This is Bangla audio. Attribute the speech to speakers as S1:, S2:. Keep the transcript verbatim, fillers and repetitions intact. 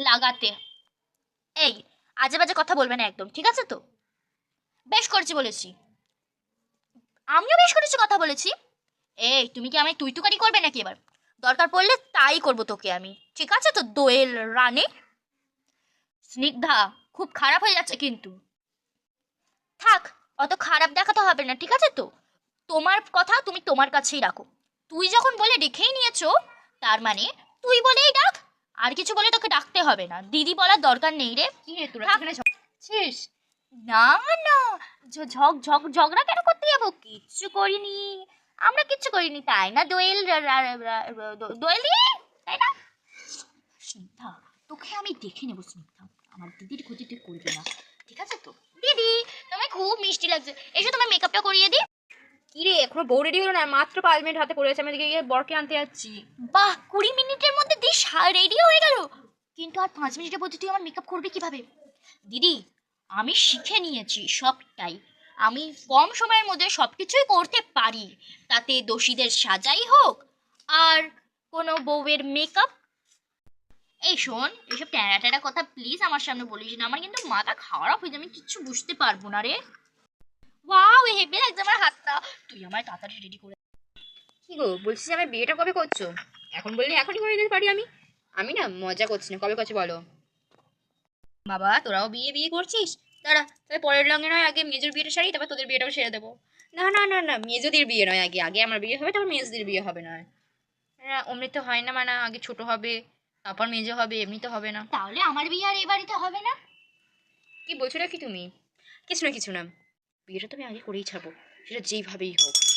S1: লাগাতে। এই আজে বাজে কথা বলবে না একদম, ঠিক আছে তো? বেশ করেছি বলেছি, আমিও বেশ করেছি কথা বলেছি। এই তুমি কি আমায় তুই তুকারি করবে নাকি এবার? দরকার পড়লে তাই করবো তোকে আমি, ঠিক আছে তো দোয়েল রানী? স্নিগ্ধা, খুব খারাপ হয়ে যাচ্ছে কিন্তু। থাক, অত খারাপ দেখাতে হবে না, ঠিক আছে তো? তোমার কথা তুমি তোমার কাছেই রাখো। তুই যখন বলে ডেকেই নিয়েছো, তার মানে তুই বলেই ডাক। আর কিছু বলে তোকে ডাকতে হবে না, দিদি বলার দরকার নেই রে।
S2: কি রে তোরা
S1: থাক।
S2: এখানে ঝগড়াচ্ছিস?
S1: না না, ঝ- ঝগ ঝগ ঝগড়া কেন করতে যাবো? কিচ্ছু করিনি, আমরা কিচ্ছু করিনি, তাই না দোয়েল রা- রা- রা- রা- দো- দোয়েল দি, তাই না? স্নিগ্ধা, তোকে আমি দেখে নেবো স্নিগ্ধা, আমার দিদির ক্ষতি তুই করবি না, ঠিক আছে তো? দিদি, তোমায় খুব মিষ্টি লাগছে, এসো তোমার মেকআপটা করিয়ে দিই।
S2: কি রে এখনো বউ রেডি হলো না? মাত্র পাঁচ মিনিট হাতে পড়েছে, আমি এদিকে গিয়ে বরকে আনতে যাচ্ছি।
S1: বাহ, কুড়ি মিনিটের মধ্যে দিস রেডি হয়ে গেল। কিন্তু আর পাঁচ মিনিটের মধ্যে তুই আমার মেকআপ করবি কিভাবে? দিদি, আমি শিখে নিয়েছি সবটাই, আমি কম সময়ের মধ্যে সবকিছুই করতে পারি, তাতে দোষীদের সাজাই হোক আর কোনো বউয়ের মেকআপ। এই শোন, এসব ট্যারা ট্যারা কথা প্লিজ আমার সামনে বলিস না, আমার কিন্তু মাথা খারাপ হয়ে যাবে, আমি কিচ্ছু বুঝতে পারবো না রে। ওয়াও, হেভি লাগছে আমার হাতটা, তুই আমার তাড়াতাড়ি রেডি করে।
S2: কি গো, বলছিস যে আমার বিয়েটা কবে করছো? এখন বললে এখনই করে দিতে পারি আমি। আমি না মজা করছি না, কবে করছো বলো? বাবা তোরাও বিয়ে বিয়ে করছিস? দাঁড়া, তাহলে পরের লঙ্গে নয় আগে মেজোর বিয়েটা সারি, তারপর তোদের বিয়েটাও সেরে দেবো। না না না না, মেজোদের বিয়ে নয়, আগে আগে আমার বিয়ে হবে, তারপর মেজোদের বিয়ে হবে না। হ্যাঁ অমনি তো হয় না, মানে আগে ছোট হবে তারপর মেজো হবে, এমনি তো হবে না।
S1: তাহলে আমার বিয়ে আর এ বাড়িতে হবে না?
S2: কি বলছো নাকি তুমি? কিছু না কিছু না, বিয়েটা তো আমি আগে করেই ছাড়বো, সেটা যেইভাবেই হোক।